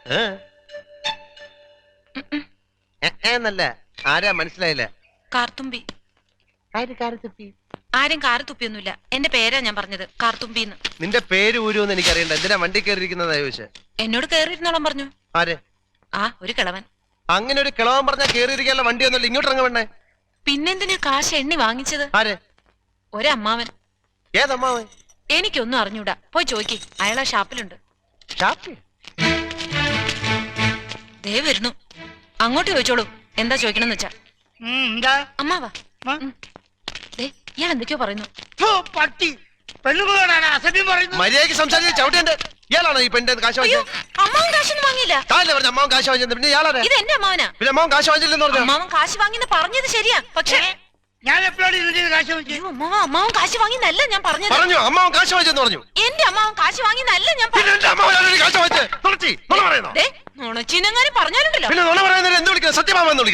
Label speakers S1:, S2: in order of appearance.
S1: എന്നല്ല ആരാ മനസ്സിലായില്ല.
S2: കാർത്തുമ്പി. ആരും കാറ് തുപ്പിയൊന്നുമില്ല. എന്റെ പേരാ ഞാൻ പറഞ്ഞത്, കാർത്തുമ്പിന്ന്.
S1: നിന്റെ പേര് ഊരുവെന്ന് എനിക്കറിയണ്ട. എന്തിനാ വണ്ടി കയറിയിരിക്കുന്നതാ ചോദിച്ചേ?
S2: എന്നോട് കേറിയിരുന്നോളം പറഞ്ഞു.
S1: ആരെ?
S2: ആ, ഒരു കിളവൻ.
S1: അങ്ങനെ ഒരു കിളവൻ പറഞ്ഞാൽ കേറിയിരിക്കാനുള്ള വണ്ടി ഒന്നുമില്ല. ഇങ്ങോട്ട് ഇറങ്ങ വേണ്ടേ?
S2: പിന്നെന്തിനാ കാശ് എണ്ണി വാങ്ങിച്ചത്?
S1: ആരെ?
S2: ഒരമ്മാവൻ.
S1: ഏതമ്മാവൻ?
S2: എനിക്കൊന്നും അറിഞ്ഞൂടാ. പോയി ചോദിക്ക്, അയാളാ ഷാപ്പിലുണ്ട്. ദേ വരുന്നു. അങ്ങോട്ട് ചോദിച്ചോളൂ, എന്താ ചോദിക്കണമെന്ന് വെച്ചാ. അമ്മാവാ. ഇയാൾ എന്തൊക്കെയോ പറയുന്നു.
S1: മര്യാദയ്ക്ക് സംസാരിച്ച് ചവിട്ടേണ്ട. ഇയാളാണോ ഈ പെണ്ണിന്റെ കാശ് വാങ്ങിച്ചത്?
S2: അമ്മാവൻ കാശൊന്നും വാങ്ങിയില്ല.
S1: പറഞ്ഞ അമ്മാവൻ കാശ് വാങ്ങിച്ചത്. പിന്നെ ഇയാളാരെ?
S2: ഇത് എന്റെ അമ്മാവനാ.
S1: പിന്നെ അമ്മാവൻ കാശ് വാങ്ങിച്ചില്ലെന്ന് പറഞ്ഞു.
S2: അമ്മാവൻ കാശ് വാങ്ങിന്ന് പറഞ്ഞത് ശരിയാ, പക്ഷേ
S3: ഞാൻ എപ്പോഴാണ് കാശ് വാങ്ങിച്ചത്?
S2: അമ്മാവൻ കാശ് വാങ്ങിന്നല്ല ഞാൻ പറഞ്ഞത്.
S1: പറഞ്ഞു അമ്മാവൻ കാശ് വാങ്ങിച്ചെന്ന് പറഞ്ഞു.
S2: എന്റെ അമ്മാവൻ കാശ് വാങ്ങിന്നല്ല ഞാൻ
S1: കാശ് വാങ്ങിച്ചത്.
S2: നുണച്ചിനെങ്ങാനും പറഞ്ഞാലുണ്ടല്ലോ.
S1: പിന്നെ നുണ പറയുന്നതിന് എന്ത് വിളിക്കുന്നത്? സത്യമാമെന്ന് വിളിക്കുന്നത്.